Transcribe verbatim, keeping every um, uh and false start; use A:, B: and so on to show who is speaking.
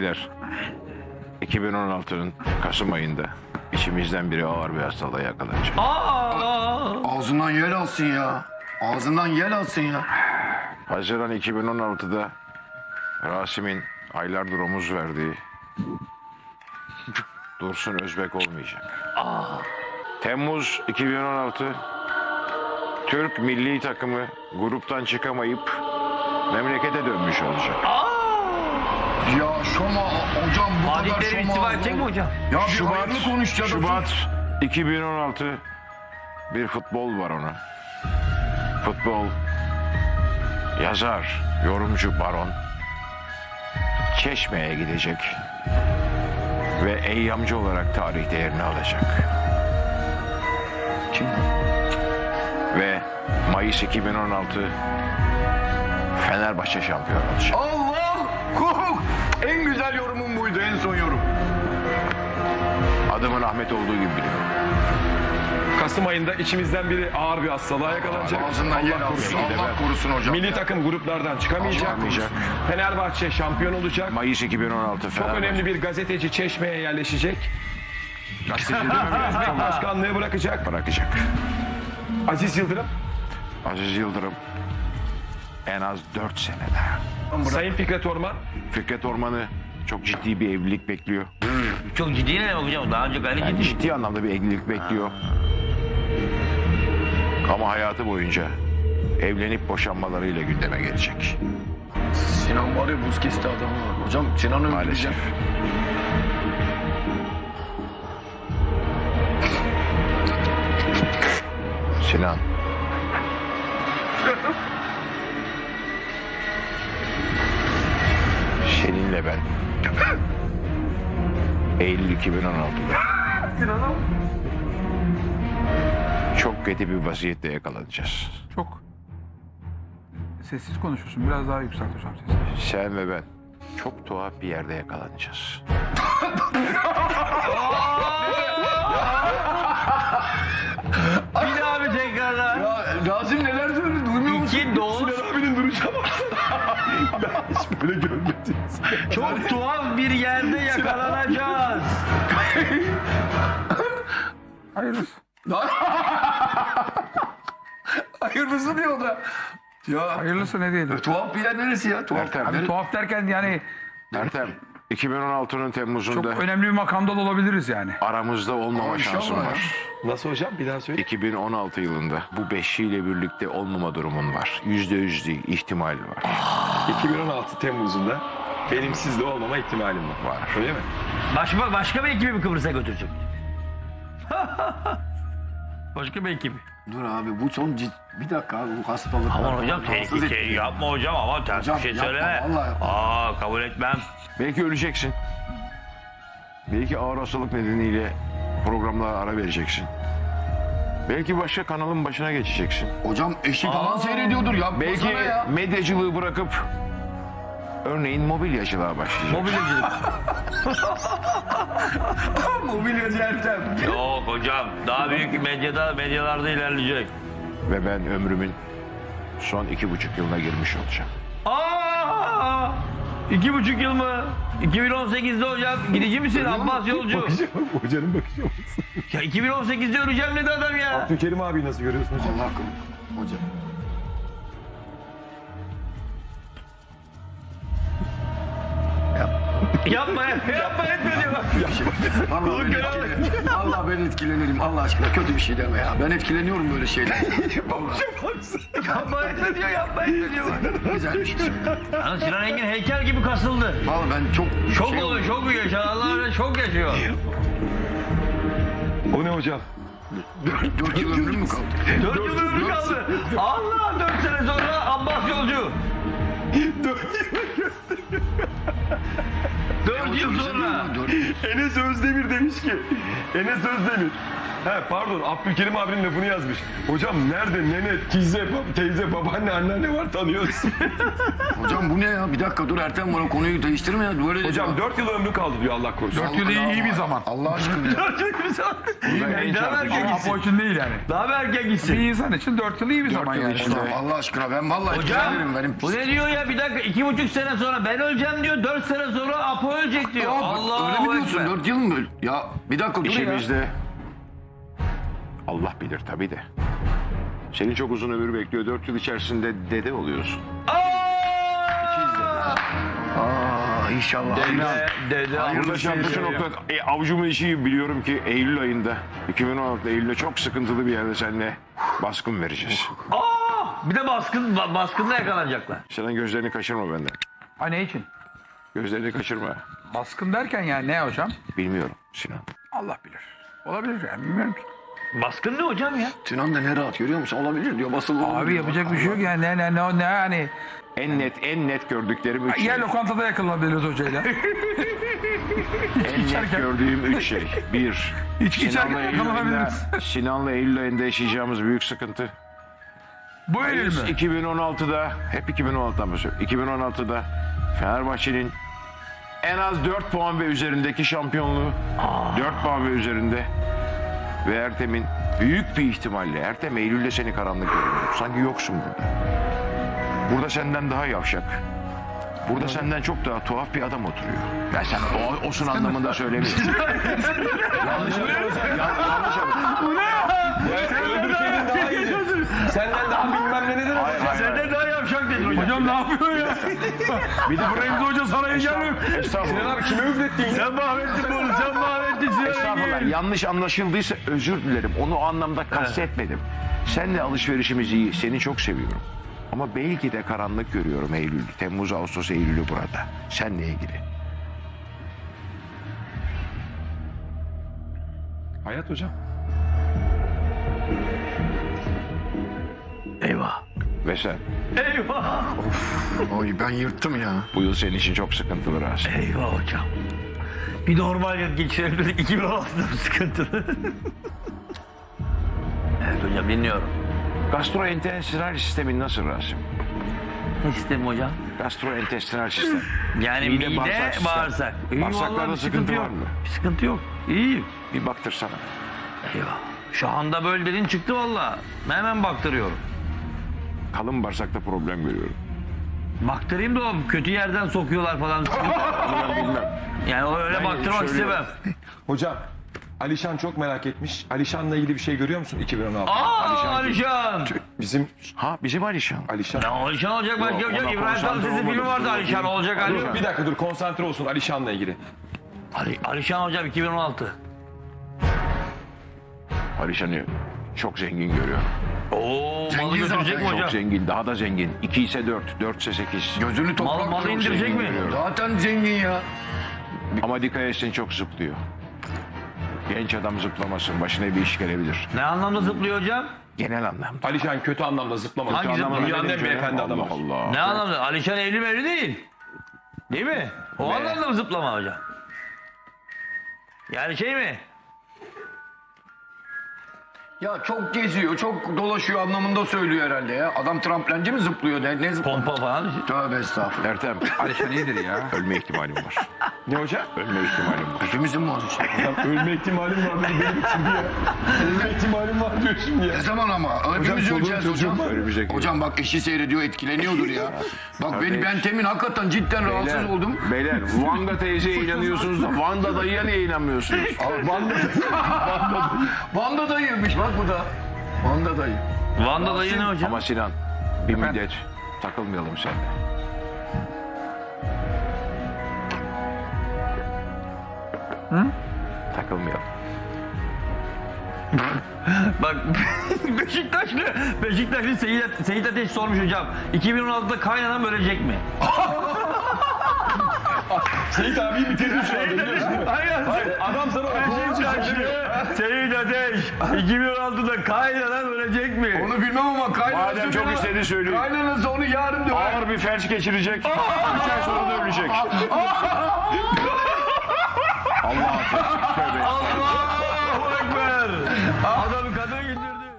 A: beyler, iki bin on altının Kasım ayında içimizden biri ağır bir hastalığa yakalanacak.
B: Ağzından yel alsın ya. Ağzından yel alsın ya.
A: Haziran iki bin on altıda Rasim'in aylardır omuz verdiği Dursun Özbek olmayacak. Temmuz iki bin on altı Türk milli takımı gruptan çıkamayıp memlekete dönmüş olacak.
B: Ya şoma hocam bu kadar
C: Adikleri
B: şoma.
C: istifa edecek mi hocam?
B: Ya bir
A: Şubat,
B: hayırlı konuş ya da
A: Şubat
B: sus.
A: iki bin on altı bir futbol var ona. Futbol, yazar, yorumcu Baron Çeşme'ye gidecek ve eyyamcı olarak tarihte yerini alacak.
B: Kim?
A: Ve Mayıs iki bin on altı Fenerbahçe şampiyon olacak.
B: Allah! Kuk! En güzel yorumum buydu, en son yorum.
A: Adımın Ahmet olduğu gibi biliyorum.
D: Kasım ayında içimizden biri ağır bir hastalığa yakalanacak.
B: Ağzından yel alsın.
A: korusun.
B: Allah korusun hocam.
D: Milli takım gruplardan çıkamayacak.
A: Çıkamayacak.
D: Fenerbahçe şampiyon olacak.
A: Mayıs iki bin on altı
D: Çok
A: Fenerbahçe.
D: önemli bir gazeteci Çeşme'ye yerleşecek. Gazeteci Özbek başkanlığı bırakacak.
A: bırakacak.
D: Aziz Yıldırım,
A: Aziz Yıldırım en az dört sene daha.
D: Sayın Fikret Orman,
A: Fikret Orman'ı çok ciddi bir evlilik bekliyor.
C: Çok ciddi ne hocam? Daha önce gayet
A: Yani
C: ciddi.
A: ciddi anlamda bir evlilik bekliyor. Ama hayatı boyunca evlenip boşanmalarıyla gündeme gelecek.
B: Sinan var ya buz kesti adamı var. Hocam Sinan'ı
A: Maalesef.
B: öldüreceğim.
A: Sinan. Seninle ben Eylül iki bin on altıda çok kötü bir vaziyette yakalanacağız.
E: Çok sessiz konuşuyorsun. Biraz daha yükselt hocam sesini.
A: Sen ve ben çok tuhaf bir yerde yakalanacağız.
C: Bir daha bir tekrarlar.
B: Ya Razim neler söyledi duymuyor musun?
C: İki dost
D: abinin duruşa bak. Hiç böyle görmedim.
C: çok tuhaf bir yerde yakalanacağız.
E: Hayırlısı.
B: Hayırlısı diyor da. Ya
E: Hayırlısı ne diyelim.
B: tuhaf bir yer neresi ya? Tuhaf.
A: Ertem,
E: Hani tuhaf derken yani
A: Ertem, iki bin on altının
E: çok
A: Temmuz'unda
E: önemli bir makamda da olabiliriz yani.
A: aramızda olmama
B: Aa,
A: şansım
B: inşallah ya.
A: var.
D: Nasıl hocam? Bir daha söyle.
A: iki bin on altı yılında bu beşiyle birlikte olmama durumun var. Yüzde yüz değil, ihtimal var.
D: iki bin on altı Temmuz'unda benim sizle olmama ihtimalim var.
A: Var.
D: Öyle mi?
C: Başka, başka bir ekibi mi Kıbrıs'a götürecek? Başka bir ekibi.
B: Dur abi bu son cid... Bir dakika abi bu hastalık.
C: Aman hocam
B: Rahatsız
C: tehlike
B: etti.
C: yapma hocam ama ters
B: Hocam,
C: bir şey
B: yapma,
C: söyleme.
B: vallahi yapma.
C: Aa kabul etmem.
A: Belki öleceksin. Belki ağır hastalık nedeniyle programlara ara vereceksin. Belki başka kanalın başına geçeceksin.
B: Hocam eşi falan seyrediyordur ya.
A: Belki
B: ya.
A: medyacılığı bırakıp örneğin mobilyacılığa başlayacaksın.
C: Mobilyacılık.
B: Mobilyacı Ertem.
C: Yok hocam daha büyük medyada medyalarda ilerleyecek.
A: Ve ben ömrümün son iki buçuk yılına girmiş olacağım.
C: Aa! İki buçuk yıl mı? iki bin on sekizde hocam gidici misin Abbas Yolcu?
D: Hocanın bakışı olmasın.
C: Ya iki bin on sekizde öleceğim dedi adam ya.
D: Abdülkerim abi nasıl görüyorsun hocam?
B: Allah korusun. Hocam.
C: Yapma yapma etme diyor bak.
B: Allah ben, etkilenirim. Allah ben etkilenirim. Allah aşkına kötü bir şey deme ya. Ben etkileniyorum böyle şeyler.
C: Yapma etme diyor yapma etme diyor.
B: Güzel bir şey söyle.
C: Yani Sinan Engin heykel gibi kasıldı.
B: Vallahi ben çok...
C: Şok
B: şey
C: oluyor şok yaşıyor Allah öyle şok yaşıyor.
D: O ne hocam?
B: Dört yıl ömrüm mü kaldı?
C: Dört yıl ömrü kaldı. Allah dört sene sonra Abbas Yolcu. Dört yıl sonra.
B: Dört yıl.
D: Enes Özdemir demiş ki, Enes Özdemir He, pardon Abdülkerim abinin lafını yazmış. Hocam nerede nene, teyze, bab- teyze, babaanne, anneanne var tanıyorsun.
B: Hocam bu ne ya? Bir dakika dur Ertem bana konuyu değiştirme ya. Böyle
D: Hocam dört yıl ömrü kaldı diyor Allah korusun.
E: Dört yıl iyi, iyi bir zaman.
B: Allah aşkına ya.
C: Daha mı erken
E: Ama
C: gitsin?
E: Apo için değil yani.
C: Daha mı erken
E: Bir
C: gitsin?
E: insan için dört yıl iyi bir zaman
A: yıl
E: yani.
A: işte.
B: Hocam Allah aşkına ben vallahi
C: Hocam
B: etkilenirim benim.
C: bu ne diyor ya, bir dakika iki buçuk sene sonra ben öleceğim diyor, dört sene sonra Apo ölecek diyor.
B: Ya,
C: Allah
B: öyle mi diyorsun? Dört yıl mı? Ya bir dakika dur ya.
A: İşimizde Allah bilir tabii de. Seni çok uzun ömür bekliyor. Dört yıl içerisinde dede oluyorsun.
B: Aa inşallah.
C: Dede, dede,
A: Burada şu an şu nokta e, avucumun içi biliyorum ki Eylül ayında iki bin on altı Eylül'de çok sıkıntılı bir yerde seninle baskın vereceğiz.
C: Aa, bir de baskın, ba- baskınla yakalanacaklar.
A: Senin gözlerini kaçırma benden.
E: Ha ne için?
A: Gözlerini kaçırma.
E: Baskın derken yani ne hocam?
A: Bilmiyorum Sinan.
E: Allah bilir. Olabilir yani bilmiyorum ki.
C: Baskın ne hocam ya?
B: Sinan da ne rahat görüyor musun? Olabilir diyor basılı.
E: Abi yapacak bir şey yok yani ne ne ne ne yani.
A: En net en net gördüklerim üç şey.
E: Yer lokantada yakalanabiliriz hocayla.
A: En net gördüğüm üç şey. Bir,
E: İçki içerken
A: Sinan'la Eylül ayında,
E: yakalanabiliriz.
A: Sinan'la Eylül ayında yaşayacağımız büyük sıkıntı.
E: Bu Eylül mü?
A: iki bin on altıda, hep iki bin on altıdan bahsediyorum. iki bin on altıda Fenerbahçe'nin en az dört puan ve üzerindeki şampiyonluğu. dört puan ve üzerinde. Ve Ertem'in büyük bir ihtimalle, Ertem Eylül'de seni karanlık görüyor. Sanki yoksun burada. Burada senden daha yavşak. Burada senden çok daha tuhaf bir adam oturuyor. Ya sen o, osun anlamında söylemiyorum. yanlış yanlış
C: Bu ne ya?
D: Öldürseydin daha iyiydi. Senden daha bilmem ne nedir.
A: Hayır, hayır,
C: Senden daha yavşak dedi hocam.
E: Hocam ne yapıyor ya?
A: Bir de
E: Remzi Hoca saraya gelmiyor.
A: Estağfurullah.
D: Sinan abi kime üflettin?
C: Sen mahvettin bunu, sen mahvettin. Sinan
A: Estağfurullah.
C: Engin.
A: Yanlış anlaşıldıysa özür dilerim. Onu o anlamda kastetmedim. Seninle alışverişimiz iyi. Seni çok seviyorum. Ama belki de karanlık görüyorum Eylül. Temmuz, Ağustos, Eylül'ü burada. Seninle ilgili.
D: Hayat hocam.
C: Eyvah.
A: Ve sen
C: Eyvah.
B: Oy ben yırttım ya.
A: bu yıl senin için çok sıkıntılı Rasim.
C: Eyvah hocam. Bir normal yıl geçirebilirdik. iki bin on altıda sıkıntılı. Evet hocam dinliyorum.
A: Gastrointestinal sistemin nasıl Rasim?
C: Ne sistemi hocam?
A: Gastrointestinal sistem.
C: Yani
A: Mide,
C: mide,
A: bağırsak sistem.
C: bağırsak. İyi
A: Bağırsaklarda
C: vallahi, bir
A: sıkıntı
C: yok.
A: var mı?
C: Bir sıkıntı yok. İyiyim.
A: Bir baktırsana.
C: Eyvah. Şu anda böyle dedin çıktı valla. Hemen baktırıyorum.
A: Kalın bağırsakta problem görüyorum.
C: Baktırayım da o kötü yerden sokuyorlar falan.
A: Ben bilmem.
C: Yani o öyle
A: Ben
C: baktırmak
A: söylüyorum.
C: istemem.
D: Hocam Alişan çok merak etmiş. Alişan'la ilgili bir şey görüyor musun iki bin on altı?
C: Aa Alişan.
D: Bizim
A: Ha bizim Alişan.
D: Alişan.
C: Ya Alişan olacak başka yok.
A: ona
C: İbrahim
A: konsantre
C: Tatlıses'in filmi
A: olmadım.
C: vardı Alişan olacak Ali.
D: Dur, bir dakika dur konsantre olsun Alişan'la ilgili.
C: Ali, Alişan hocam iki bin on altı.
A: Alişan'ı çok zengin görüyorum.
C: Oo malı
B: Zengin
C: götürecek
B: zaten,
C: mi
A: Çok
C: hocam?
A: zengin, daha da zengin. iki ise dört, dört ise sekiz.
B: Gözünü toprak.
C: Mal, malı
B: çok
C: indirecek
B: zengin
C: mi?
B: görüyorum. Zaten zengin ya.
A: Ama dikkat etsin çok zıplıyor. Genç adam zıplamasın, başına bir iş gelebilir.
C: Ne anlamda zıplıyor hocam?
A: Genel anlamda.
D: Alişan kötü anlamda zıplamadı.
C: Hangi
D: Kötü anlamda
C: zıplama?
D: dünyanın en beyefendi
A: Allah
D: adamı.
A: Allah.
C: Ne anlamda? Alişan evli mevli değil. Değil mi? O
A: Ne?
C: anlamda mı zıplama hocam? Yani şey mi?
B: Ya çok geziyor, çok dolaşıyor anlamında söylüyor herhalde ya. Adam tramplenci mi zıplıyor? Ne, ne zıplıyor?
C: Pompa falan.
B: Tövbe estağfurullah.
A: Ertem,
E: Alişan iyidir ya.
A: ölme ihtimalim var.
D: Ne hocam?
A: Ölme ihtimalim var.
B: Hepimizin mi olacak?
D: Ölme ihtimalim var benim şimdi ya. Ölme ihtimalim var diyor şimdi ya.
B: Ne zaman ama? Hepimiz
D: çoluğun
B: öleceğiz
D: çocuğun
B: hocam.
D: var.
A: Önümüzdeki
B: Hocam bak eşi seyrediyor, etkileniyordur ya. Bak beni
A: Kardeş.
B: ben temin hakikaten cidden rahatsız
A: Beyler,
B: oldum.
A: beyler Vanda teyzeye inanıyorsunuz da Vanda dayıya niye inanmıyorsunuz?
B: Vanda, Vanda dayıymış bak bu da. Vanda dayı.
C: Van'da dayı ne hocam?
A: Ama Sinan, bir müddet takılmayalım seninle. Hı? Takılmayalım.
C: Bak Beşiktaşlı Beşiktaşlı Seyit, Seyit Ateş sormuş hocam. iki bin on altıda kaynanan ölecek mi?
D: Seyit abiyi bitirdin şu anda biliyorsun değil mi?
C: Hayır.
D: Adam sana
C: Beşiktaşlı Seyit Ateş iki bin on altıda kaynanan ölecek mi?
B: Onu bilmem ama kaynanası...
A: Madem çok
B: bana-
A: istedi söyleyeyim.
B: Kaynanası onu yarın döver.
A: Ağır bir felç geçirecek. Üç ay sonra da ölecek. Allah affetsin. Tövbe.
C: Allahu Ekber. Adam